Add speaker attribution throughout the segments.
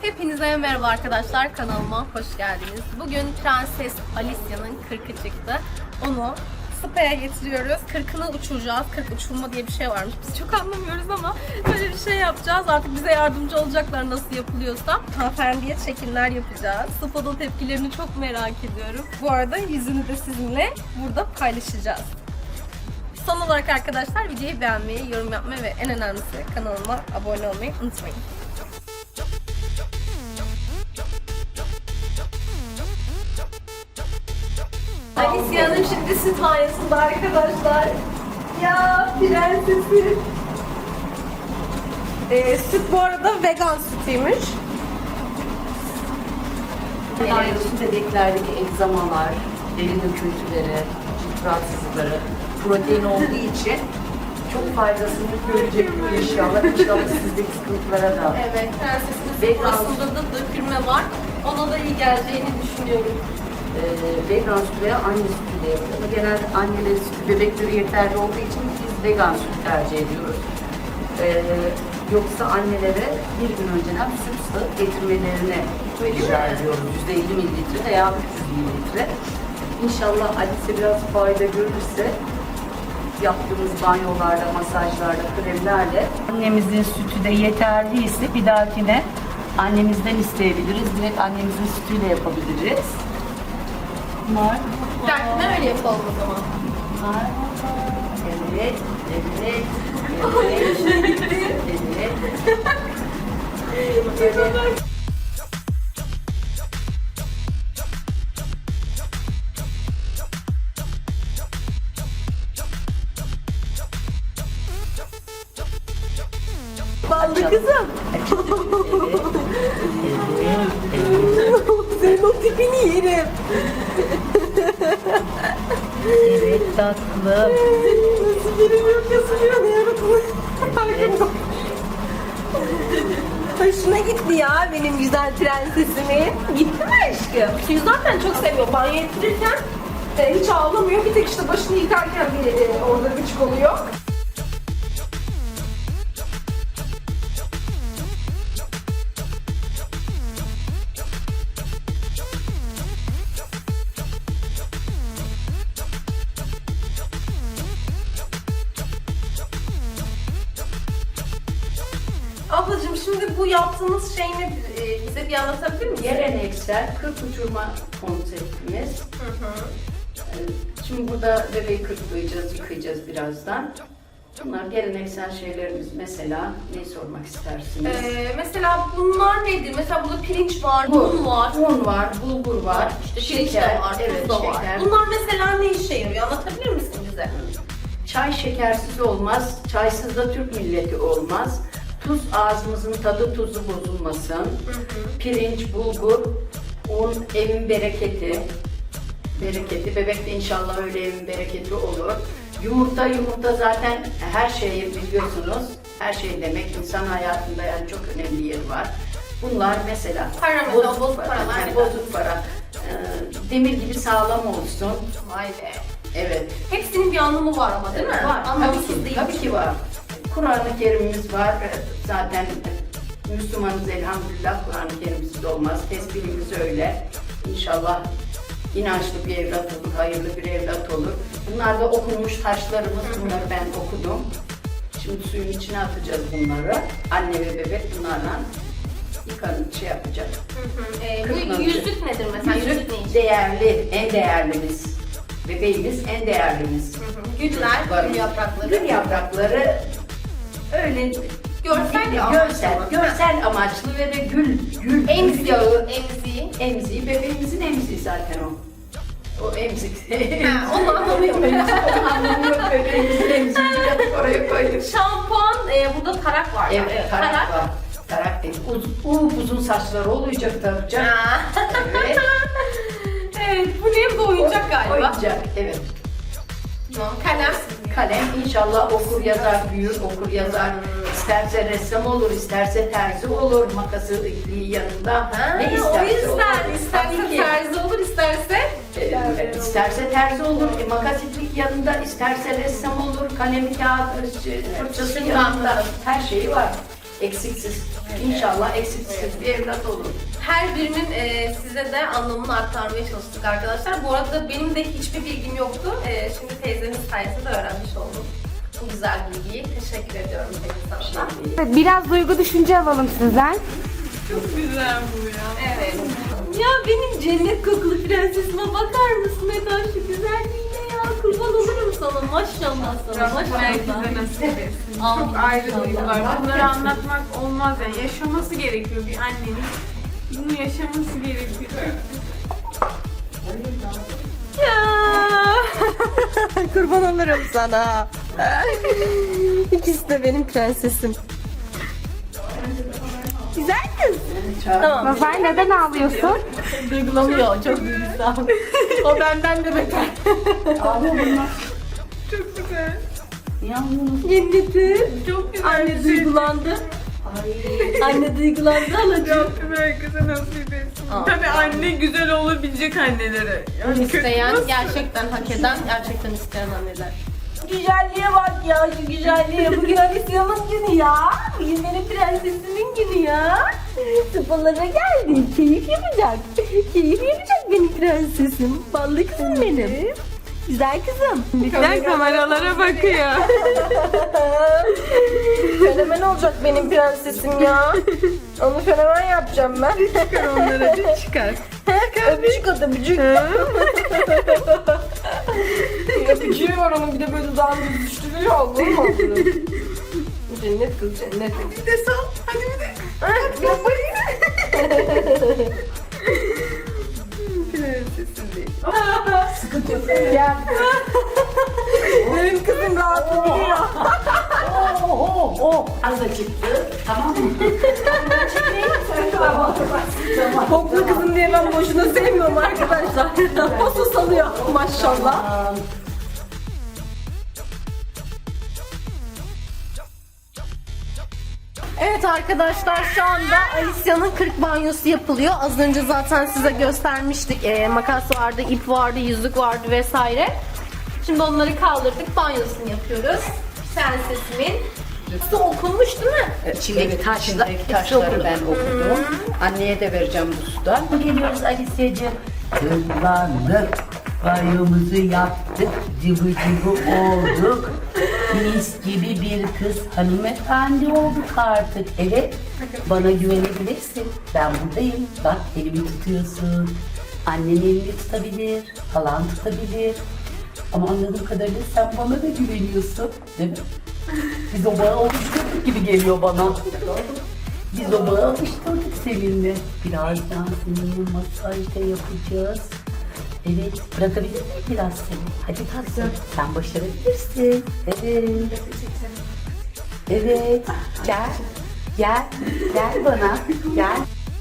Speaker 1: Hepinize merhaba arkadaşlar, kanalıma hoş geldiniz. Bugün Prenses Alicia'nın 40'ı çıktı. Onu Spa'ya getiriyoruz. 40'ını uçuracağız. 40 uçurma diye bir şey varmış. Biz çok anlamıyoruz ama böyle bir şey yapacağız. Artık bize yardımcı olacaklar nasıl yapılıyorsa. Hanımefendiye çekimler yapacağız. Spa'da tepkilerini çok merak ediyorum. Bu arada yüzünü de sizinle burada paylaşacağız. Son olarak arkadaşlar videoyu beğenmeyi, yorum yapmayı ve en önemlisi kanalıma abone olmayı unutmayın. Alicia'nın şimdi süt banyosunda arkadaşlar. Ya prensesi. Süt bu arada vegan sütüymüş.
Speaker 2: Süt bebeklerdeki egzamalar, deri döküntüleri, cilt rahatsızlıkları, protein olduğu için çok faydasını görecektir inşallah. İnşallah sizdeki sıkıntılara da.
Speaker 1: Evet, prensesin aslında da dökülme var. Ona da iyi geleceğini düşünüyorum.
Speaker 2: Vegan süt veya anne sütü de yapıyor. Ama genelde annelerin sütü bebekleri yeterli olduğu için biz vegan süt tercih ediyoruz. Yoksa annelere bir gün önceden süt sağıp getirmelerini rica ediyoruz. %50 mililitre veya 300 mililitre. İnşallah Alice biraz fayda görürse yaptığımız banyolarda, masajlarda, kremlerle annemizin sütü de yeterliyse bir dahakine annemizden isteyebiliriz. Direkt annemizin sütüyle yapabiliriz.
Speaker 1: Dertine öyle yapalım o zaman.
Speaker 2: Evet, evet, evet, evet.
Speaker 1: Ballı kızım.
Speaker 2: Evet,
Speaker 1: Senin o tipini yerim.
Speaker 2: evet tatlım.
Speaker 1: Nasıl yerim yok ya, sürüyor yaratılır. Hoşuna gitti ya benim güzel prensesimin. Gitti mi aşkım? Suyu zaten çok seviyor. Banyo ettirirken hiç ağlamıyor. Bir tek işte başını yıkarken bir orada gıcık oluyor. Ablacığım şimdi bu yaptığımız şey ne? Bize bir anlatabilir misin?
Speaker 2: Geleneksel 40 uçurma konseptimiz. Şimdi burada bebeği kırklayacağız, yıkayacağız birazdan. Bunlar geleneksel şeylerimiz. Mesela ne sormak istersiniz?
Speaker 1: Mesela bunlar nedir? Mesela burada pirinç var, un var.
Speaker 2: Un var, bulgur var,
Speaker 1: İşte pirinç de var,
Speaker 2: evet,
Speaker 1: tuz da var.
Speaker 2: şeker.
Speaker 1: Bunlar mesela ne işe yarıyor? Anlatabilir misin bize?
Speaker 2: Çay şekersiz olmaz, çaysız da Türk milleti olmaz. Tuz ağzımızın tadı tuzu bozulmasın. Pirinç, bulgur, un evin bereketi. Bebek de inşallah öyle evin bereketi olur. Yumurta zaten her şeyi biliyorsunuz. Her şey demek insan hayatında yani çok önemli yeri var. Bunlar mesela
Speaker 1: Para mesela, bozuk paralar
Speaker 2: yani
Speaker 1: neden?
Speaker 2: bozuk para. Demir gibi sağlam olsun.
Speaker 1: Vay be.
Speaker 2: Evet.
Speaker 1: Hepsinin bir anlamı var ama değil mi?
Speaker 2: Var.
Speaker 1: Anlamsız değil.
Speaker 2: Tabii ki var. Kur'an-ı Kerim'imiz var. Zaten Müslümanız elhamdülillah, Kur'an-ı Kerim'siz olmaz. Tesbihimiz öyle. İnşallah inançlı bir evlat olur, hayırlı bir evlat olur. Bunlar da okunmuş taşlarımız. Bunları ben okudum. Şimdi suyun içine atacağız bunları. Anne ve bebek bunlarla yıkanıp şey yapacak.
Speaker 1: Bu yüzük nedir mesela? Yüzük ne işe?
Speaker 2: Değerli, en değerlimiz. Bebeğimiz en değerlimiz.
Speaker 1: Güller, gül yaprakları.
Speaker 2: Gül yaprakları öyle görsel amaçlı ve de gül
Speaker 1: Emzi
Speaker 2: yağı,
Speaker 1: emziği.
Speaker 2: bebeğimizin emziği zaten o. O emzik.
Speaker 1: Onu anlamıyorum.
Speaker 2: Onu anlamıyor, bebeğimizin emziğini yapıp oraya koyduk.
Speaker 1: Şampuan, burada tarak var.
Speaker 2: Evet, tarak var. Tarak değil. Uzun saçları olacak takacak. Evet.
Speaker 1: Evet, bu ne? Bu oyuncak galiba.
Speaker 2: Oyuncak, evet. Kalem inşallah okur yazar, büyür, okur yazar. İsterse ressam olur, isterse terzi olur, makası ipliği yanında. Ne
Speaker 1: O
Speaker 2: isterse
Speaker 1: yüzden
Speaker 2: olur.
Speaker 1: isterse
Speaker 2: Tabii ki.
Speaker 1: terzi olur, isterse
Speaker 2: İsterse terzi olur, makas iplik yanında, isterse ressam olur, kalemi kağıt, fırçası yanında, her şeyi var. eksiksiz, inşallah eksiksiz bir evlat olur.
Speaker 1: Her birinin size de anlamını aktarmaya çalıştık arkadaşlar. Bu arada benim de hiçbir bilgim yoktu. Şimdi teyzemin sayesinde öğrenmiş oldum bu güzel bilgiyi. Teşekkür ediyorum teyze sana.
Speaker 3: Biraz duygu düşünce alalım sizden.
Speaker 4: Çok güzel bu ya.
Speaker 1: Evet. Ya benim cennet kokulu prensesime bakar mısın Eda, şu güzelliğine ya. Kurban olurum sana. Maşallah sana.
Speaker 4: Rabbim herkese
Speaker 1: Maşallah.
Speaker 4: nasip etsin.
Speaker 1: Amin.
Speaker 4: Çok ayrı
Speaker 1: İnşallah.
Speaker 4: duygular. Bunları anlatmak olmaz yani. Yaşaması gerekiyor bir annenin. Bunu yaşaması gerekiyor.
Speaker 1: Kurban olurum sana. İkisi de benim prensesim. Güzel kız. Tamam.
Speaker 3: Nazar neden ağlıyorsun?
Speaker 1: Duygulanıyor. Çok duygusal. O benden de beter.
Speaker 4: Çok güzel.
Speaker 2: Yalnız
Speaker 1: Cennetim.
Speaker 4: Çok güzel.
Speaker 1: Anne duygulandı. Anne duygulandı alacağım.
Speaker 4: Rabbim herkese nasip etsin.
Speaker 1: Aa.
Speaker 4: Tabii anne güzel olabilecek annelere. Yani kötü
Speaker 1: İsteyen,
Speaker 4: nasıl?
Speaker 1: gerçekten hak eden, gerçekten isteyen anneler. Güzelliğe bak ya, şu güzelliğe. Bugün Alisya'nın günü ya. Bugün benim prensesimin günü ya. Sıfalara geldi. Keyif yapacak. Keyif yapacak benim prensesim. Ballı kızım benim. Güzel kızım.
Speaker 4: Bizler kameralara bakıyor.
Speaker 1: Fenomen olacak benim prensesim ya. Onu fenomen yapacağım ben.
Speaker 4: Çıkar onları hadi çıkar.
Speaker 1: Öpücük at öpücük. Öpücüğü var onun, bir de böyle dudağını düştürüyor. Olur mu? Cennet kız cennet.
Speaker 4: Bir de sal. Hadi bir de. Prensesim değil.
Speaker 2: sıkıntı yok.
Speaker 1: Gel. Benim kızım rahatı biliyor.
Speaker 2: Az da çıktı. Tamam mı?
Speaker 1: Koklu kızım diye ben boşuna sevmiyorum arkadaşlar. Nasıl salıyor maşallah. Evet arkadaşlar, şu anda Alisya'nın 40 banyosu yapılıyor. Az önce zaten size göstermiştik. Makas vardı, ip vardı, yüzük vardı vesaire. Şimdi onları kaldırdık, banyosunu yapıyoruz. Prensesimin. Su okunmuş değil mi?
Speaker 2: İçindeki taşları ben okudum. Anneye de vereceğim bu sudan. Geliyoruz Alisya'cığım.
Speaker 5: Hızlandık, banyomuzu yaptık, cıvı cıvı olduk. Mis gibi bir kız hanımefendi olduk artık. Evet, bana güvenebilirsin. Ben buradayım. Bak elimi tutuyorsun. Annen elini tutabilir, halan tutabilir. Ama anladığım kadarıyla sen bana da güveniyorsun, değil mi? Biz o bağı oluşturduk gibi geliyor bana. Biz o bağı alıştırdık seninle. Birazdan seninle masaj da yapacağız. Evet, bırakabilir miyim biraz seni? Hadi tatlım, sen başarabilirsin. Evet. Evet, gel. Gel, gel bana, gel.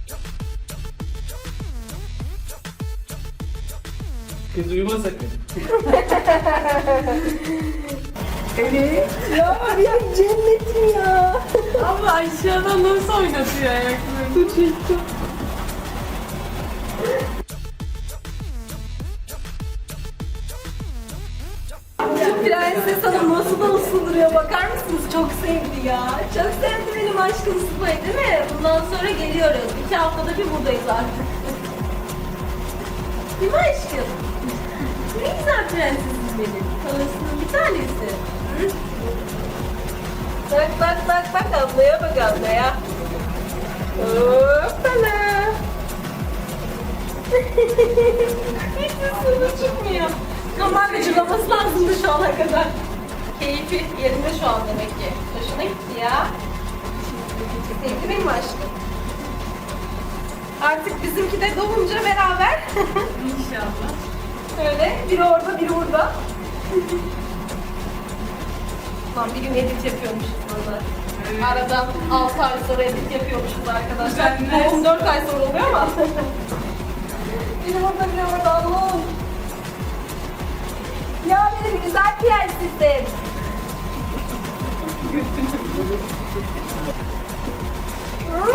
Speaker 6: Kız uyuma sakın.
Speaker 1: Evet. Ya benim cennetim ya.
Speaker 4: Ama aşağıdan nasıl oynatıyor ayaklarını?
Speaker 1: Prenses Hanım nasıl da ısındırıyor, bakar mısınız? Çok sevdi ya. Çok sevdi benim aşkım Sıfa'yı, değil mi? Bundan sonra geliyoruz. 2 haftada bir buradayız artık. Değil mi aşkım? Ne güzel prensesim benim. Kalasının bir tanesi. Hı? Bak bak bak bak, ablaya bak ablaya. Hoppala. Hiç ısındı çıkmıyor. Ama gıcırlaması lazımdı şu ana kadar. Keyfi yerinde şu an demek ki. Hoşuna gitti ya. Sevdi benim aşkım. Artık bizimki de doğunca beraber.
Speaker 4: İnşallah.
Speaker 1: Öyle biri orada biri burada. Lan bir gün edit yapıyormuşuz burada.
Speaker 4: Evet.
Speaker 1: Aradan 6 ay sonra edit yapıyormuşuz arkadaşlar.
Speaker 4: Düzenler.
Speaker 1: 14 ay sonra oluyor ama. biri burada biri orada, Allah'ım. Ya benim güzel prensesim. Hı?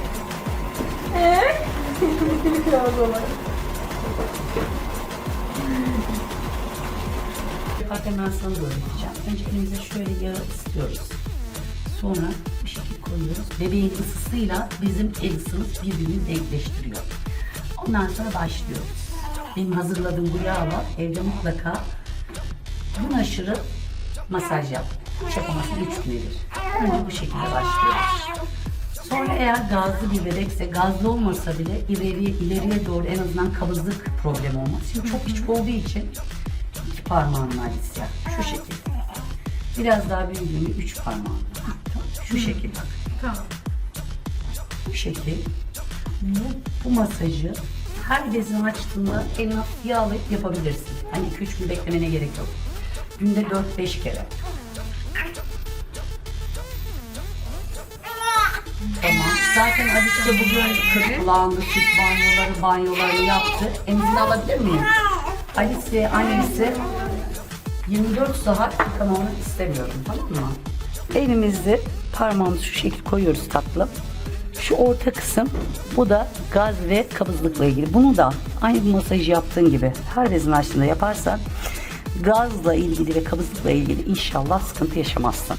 Speaker 1: O zaman.
Speaker 5: Bak hemen sana da öğreteceğim. Önce elimize şöyle yağı ısıtıyoruz. Sonra bu şekil koyuyoruz. Bebeğin ısısıyla bizim el ısımız birbirini denkleştiriyor. Ondan sonra başlıyoruz. Benim hazırladığım bu yağ var. Evde mutlaka gün aşırı masaj yap. Hiç yapamazsın 3 günedir. Önce bu şekilde başlıyoruz. Sonra eğer gazlı bir bebekse, gazlı olmasa bile ileriye doğru en azından kabızlık problemi olmaz. Şimdi çok küçük olduğu için 2 parmağınla Alicia. Şu şekilde. Biraz daha büyüdüğünde 3 parmağınla. Şu şekilde.
Speaker 4: Tamam.
Speaker 5: Bu şekil. Bu masajı her bezini açtığında elini hafif yağlayıp yapabilirsin. Hani 2-3 gün beklemene gerek yok. Günde 4-5 kere. Tamam. Zaten Alice bugün 40 kulağında süt banyolarını yaptı. Emzini alabilir miyim? Alice, annesi 24 saat yıkamamı istemiyorum, tamam mı? Elimizi parmağımızı şu şekil koyuyoruz tatlım. Şu orta kısım, bu da gaz ve kabızlıkla ilgili. Bunu da aynı masajı yaptığın gibi her bezini açtığında yaparsan gazla ilgili ve kabızlıkla ilgili inşallah sıkıntı yaşamazsın.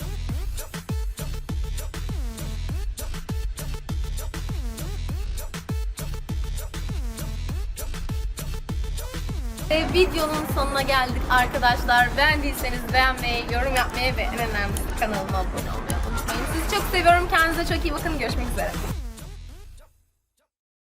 Speaker 1: Videonun sonuna geldik arkadaşlar. Beğendiyseniz beğenmeyi, yorum yapmayı ve en önemlisi kanalıma abone olmayı unutmayın. Sizi çok seviyorum. Kendinize çok iyi bakın. Görüşmek üzere.